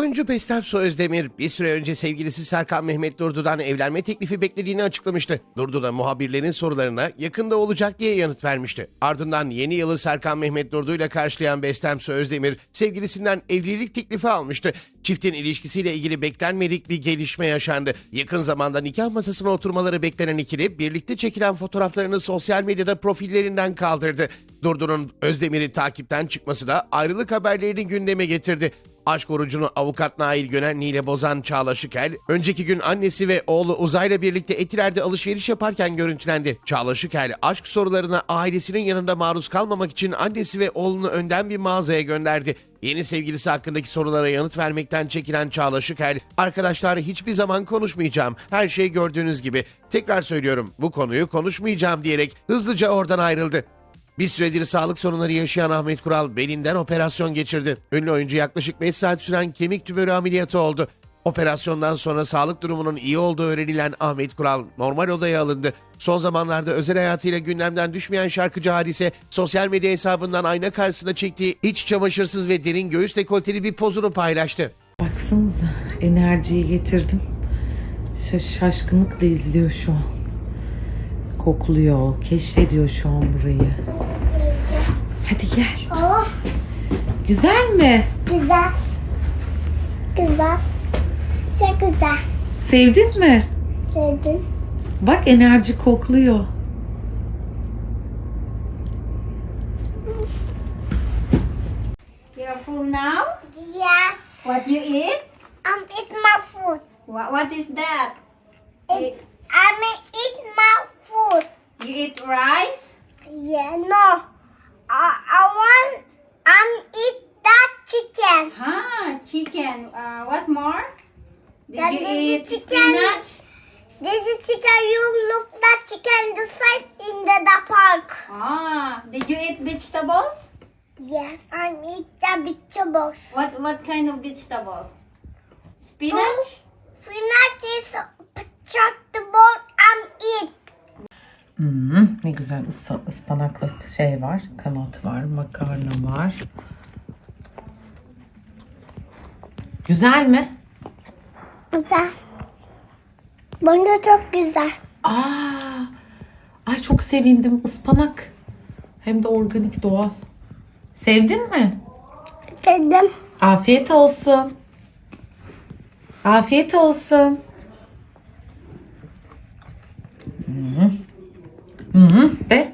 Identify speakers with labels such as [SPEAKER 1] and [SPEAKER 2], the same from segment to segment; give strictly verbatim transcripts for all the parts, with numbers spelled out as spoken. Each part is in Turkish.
[SPEAKER 1] Oyuncu Bestem Özdemir bir süre önce sevgilisi Serkan Mehmet Durdu'dan evlenme teklifi beklediğini açıklamıştı. Durdu da muhabirlerin sorularına yakında olacak diye yanıt vermişti. Ardından yeni yılı Serkan Mehmet Durdu ile karşılayan Bestem Özdemir sevgilisinden evlilik teklifi almıştı. Çiftin ilişkisiyle ilgili beklenmedik bir gelişme yaşandı. Yakın zamanda nikah masasına oturmaları beklenen ikili birlikte çekilen fotoğraflarını sosyal medyada profillerinden kaldırdı. Durdu'nun Özdemir'i takipten çıkması da ayrılık haberlerini gündeme getirdi. Aşk orucunu avukat Nail Gönenli ile bozan Çağla Şıkel, önceki gün annesi ve oğlu Uzay'la birlikte Etiler'de alışveriş yaparken görüntülendi. Çağla Şıkel, aşk sorularına ailesinin yanında maruz kalmamak için annesi ve oğlunu önden bir mağazaya gönderdi. Yeni sevgilisi hakkındaki sorulara yanıt vermekten çekilen Çağla Şıkel, "Arkadaşlar, hiçbir zaman konuşmayacağım. Her şey gördüğünüz gibi. Tekrar söylüyorum, bu konuyu konuşmayacağım" diyerek hızlıca oradan ayrıldı. Bir süredir sağlık sorunları yaşayan Ahmet Kural belinden operasyon geçirdi. Ünlü oyuncu yaklaşık beş saat süren kemik tümörü ameliyatı oldu. Operasyondan sonra sağlık durumunun iyi olduğu öğrenilen Ahmet Kural normal odaya alındı. Son zamanlarda özel hayatıyla gündemden düşmeyen şarkıcı Hadise, sosyal medya hesabından ayna karşısında çektiği iç çamaşırsız ve derin göğüs dekolteli bir pozunu paylaştı.
[SPEAKER 2] Baksanıza, enerjiyi getirdim. Şaş şaşkınlıkla izliyor şu an. Kokluyor, keşfediyor şu an burayı. Hadi gel.
[SPEAKER 3] Oh,
[SPEAKER 2] Güzel mi?
[SPEAKER 3] güzel. Güzel. Çok güzel.
[SPEAKER 2] Sevdin mi?
[SPEAKER 3] Sevdim.
[SPEAKER 2] Bak, enerji kokluyor.
[SPEAKER 4] You're full now?
[SPEAKER 3] Yes.
[SPEAKER 4] What you eat?
[SPEAKER 3] I'm eat my food.
[SPEAKER 4] What, what is that?
[SPEAKER 3] Eat, I'm eat my food.
[SPEAKER 4] You eat rice?
[SPEAKER 3] Yeah, no. I, I want, I'm eat that chicken.
[SPEAKER 4] Ah, chicken. Uh, what more? Did
[SPEAKER 3] That
[SPEAKER 4] you
[SPEAKER 3] is
[SPEAKER 4] eat
[SPEAKER 3] chicken.
[SPEAKER 4] spinach?
[SPEAKER 3] This is chicken. You look that chicken the side in the, the park.
[SPEAKER 4] Ah, did you eat vegetables?
[SPEAKER 3] Yes, I'm eat the vegetables.
[SPEAKER 4] What what kind of vegetable? Spinach?
[SPEAKER 3] Spinach is vegetable. I'm eat.
[SPEAKER 2] Hmm, ne güzel ıs- ıspanaklı şey var, kanat var, makarna var. Güzel mi?
[SPEAKER 3] Güzel. Bence çok güzel.
[SPEAKER 2] Aa, ay çok sevindim, ıspanak. Hem de organik, doğal. Sevdin mi?
[SPEAKER 3] Dedim.
[SPEAKER 2] Afiyet olsun. Afiyet olsun. Hı hı. Hı be.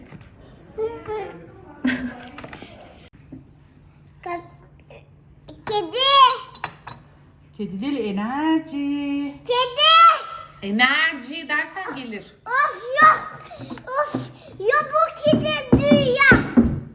[SPEAKER 3] Kedi.
[SPEAKER 5] Kedi değil, enerji.
[SPEAKER 3] Kedi.
[SPEAKER 2] Enerji dersen gelir.
[SPEAKER 3] Of ya. Of. Ya bu kedi dünya.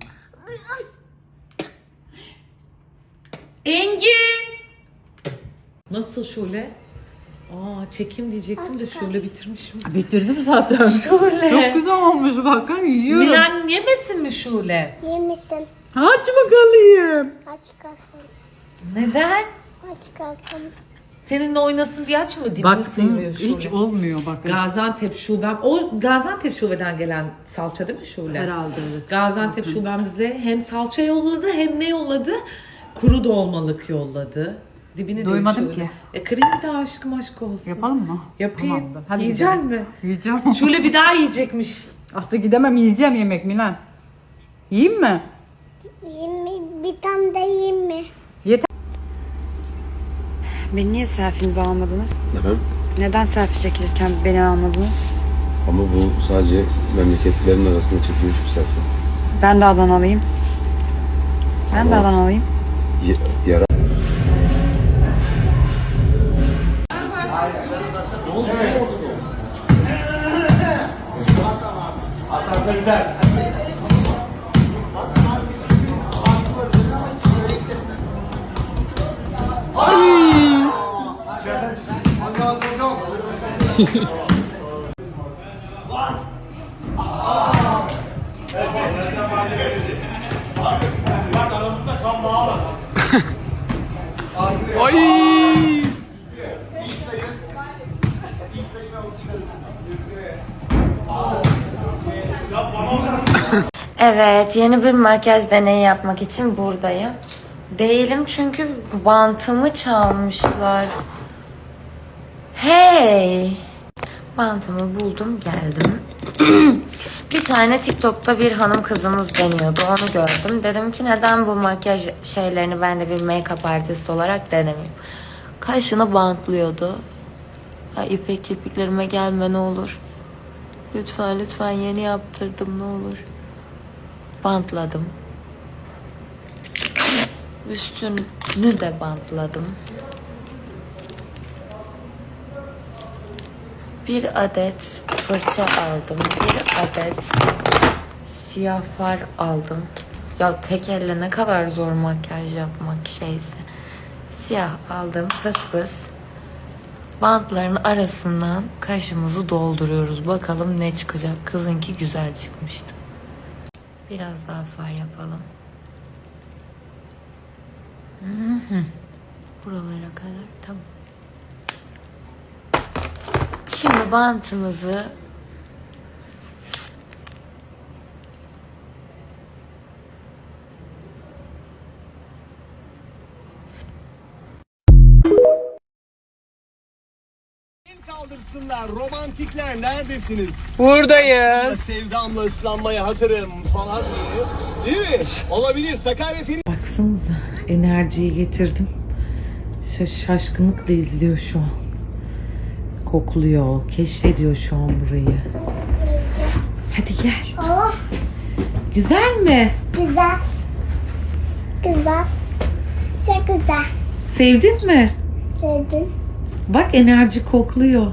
[SPEAKER 2] Engin. Nasıl Şule? Aa, çekim diyecektim de Şule bitirmişim.
[SPEAKER 5] Bitirdim zaten.
[SPEAKER 2] Şule.
[SPEAKER 5] Çok güzel olmuş, bakın yiyorum.
[SPEAKER 2] Milan yemesin mi Şule?
[SPEAKER 3] Yemişsin.
[SPEAKER 5] Aç bakalım.
[SPEAKER 3] Aç kalsın.
[SPEAKER 2] Neden?
[SPEAKER 3] Aç kalsın.
[SPEAKER 2] Seninle oynasın diye aç mı? Dibini
[SPEAKER 5] Bak
[SPEAKER 2] sıyırıyor Şule.
[SPEAKER 5] hiç olmuyor bakın.
[SPEAKER 2] Gaziantep şubem. O Gaziantep şubeden gelen salça değil mi Şule?
[SPEAKER 5] Herhalde evet.
[SPEAKER 2] Gaziantep
[SPEAKER 5] Bakın.
[SPEAKER 2] şubem bize hem salça yolladı hem ne yolladı? Kuru dolmalık yolladı. Dibini diyor
[SPEAKER 5] Duymadım
[SPEAKER 2] Şule.
[SPEAKER 5] ki.
[SPEAKER 2] E kırayım bir daha aşkım aşk olsun.
[SPEAKER 5] Yapalım mı?
[SPEAKER 2] Yapayım.
[SPEAKER 5] Tamamdır. Hadi
[SPEAKER 2] Yiyecek
[SPEAKER 5] gidelim.
[SPEAKER 2] mi?
[SPEAKER 5] Yiyeceğim.
[SPEAKER 2] Şule bir daha yiyecekmiş.
[SPEAKER 5] Artık gidemem, yiyeceğim yemek Milan. Yiyeyim mi?
[SPEAKER 3] Yiyeyim mi? Bir tane de yiyeyim mi?
[SPEAKER 5] Yeter.
[SPEAKER 6] Beni niye selfie'nizi almadınız?
[SPEAKER 7] Efendim?
[SPEAKER 6] Neden selfie çekilirken beni almadınız?
[SPEAKER 7] Ama bu sadece memleketlerin arasında çekilmiş bir selfie.
[SPEAKER 6] Ben de Adanalıyım. Ben de
[SPEAKER 7] Tamam.
[SPEAKER 6] Adanalıyım.
[SPEAKER 7] Y- yara
[SPEAKER 8] Evet, yeni bir makyaj deneyi yapmak için buradayım.
[SPEAKER 2] Değilim çünkü bantımı çalmışlar. Hey! Bantımı buldum, geldim. Bir tane TikTok'ta bir hanım kızımız deniyordu. Onu gördüm. Dedim ki neden bu makyaj şeylerini ben de bir make-up artist olarak denemeyeyim. Kaşını bantlıyordu. Ya İpek, kirpiklerime gelme ne olur. Lütfen lütfen, yeni yaptırdım ne olur. Bantladım. Üstünü de bantladım. Bir adet fırça aldım. Bir adet siyah far aldım. Ya tek elle ne kadar zor makyaj yapmak şeyse. Siyah aldım, pıs pıs. Bantların arasından kaşımızı dolduruyoruz. Bakalım ne çıkacak. Kızınki güzel çıkmıştı. Biraz daha far yapalım. Hı hı. Buralara kadar tamam. Şimdi bantımızı
[SPEAKER 8] kaldırsınlar. Romantikler neredesiniz?
[SPEAKER 5] Buradayız.
[SPEAKER 8] Sevdamla ıslanmaya hazırım falan diye. Değil mi? Olabilir. Sakarya Feni
[SPEAKER 2] baksanıza, enerjiyi getirdim. Şaş şaşkınlıkla izliyor şu an. Kokluyor, keşfediyor şu an burayı. Hadi gel.
[SPEAKER 3] Oh,
[SPEAKER 2] Güzel mi?
[SPEAKER 3] güzel. Güzel. Çok güzel.
[SPEAKER 2] Sevdin mi?
[SPEAKER 3] Sevdim.
[SPEAKER 2] Bak, enerji kokluyor.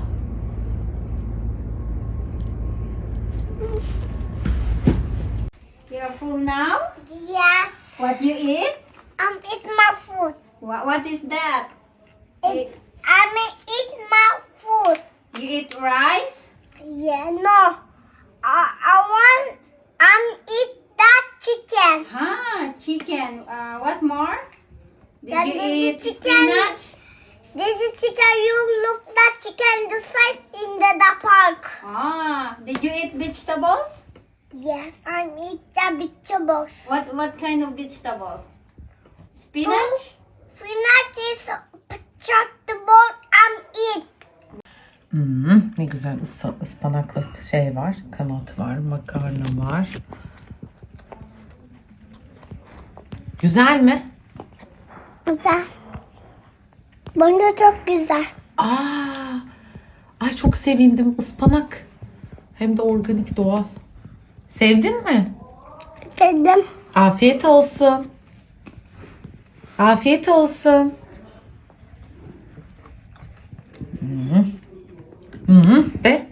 [SPEAKER 4] You're full now?
[SPEAKER 3] Yes.
[SPEAKER 4] What you eat?
[SPEAKER 3] I'm eat my food.
[SPEAKER 4] What, what is that?
[SPEAKER 3] It, I may eat my food.
[SPEAKER 4] You eat rice?
[SPEAKER 3] Yeah, no. I, I want, I'm eat that chicken.
[SPEAKER 4] Ah, chicken. Uh, what more? Did
[SPEAKER 3] That
[SPEAKER 4] you
[SPEAKER 3] is
[SPEAKER 4] eat
[SPEAKER 3] chicken.
[SPEAKER 4] spinach?
[SPEAKER 3] This is chicken. You look that chicken the side in the, the park.
[SPEAKER 4] Ah, did you eat vegetables?
[SPEAKER 3] Yes, I'm eat the vegetables.
[SPEAKER 4] What what kind of vegetable? Spinach?
[SPEAKER 3] Spinach is vegetable. I'm eat.
[SPEAKER 2] Hmm, ne güzel ıs- ıspanaklı şey var. Kanat var, makarna var. Güzel mi?
[SPEAKER 3] Güzel. Bence çok güzel.
[SPEAKER 2] Aa, ay çok sevindim. Ispanak. Hem de organik, doğal. Sevdin mi?
[SPEAKER 3] Dedim.
[SPEAKER 2] Afiyet olsun. Afiyet olsun. Hı hı. Hı hı. Ve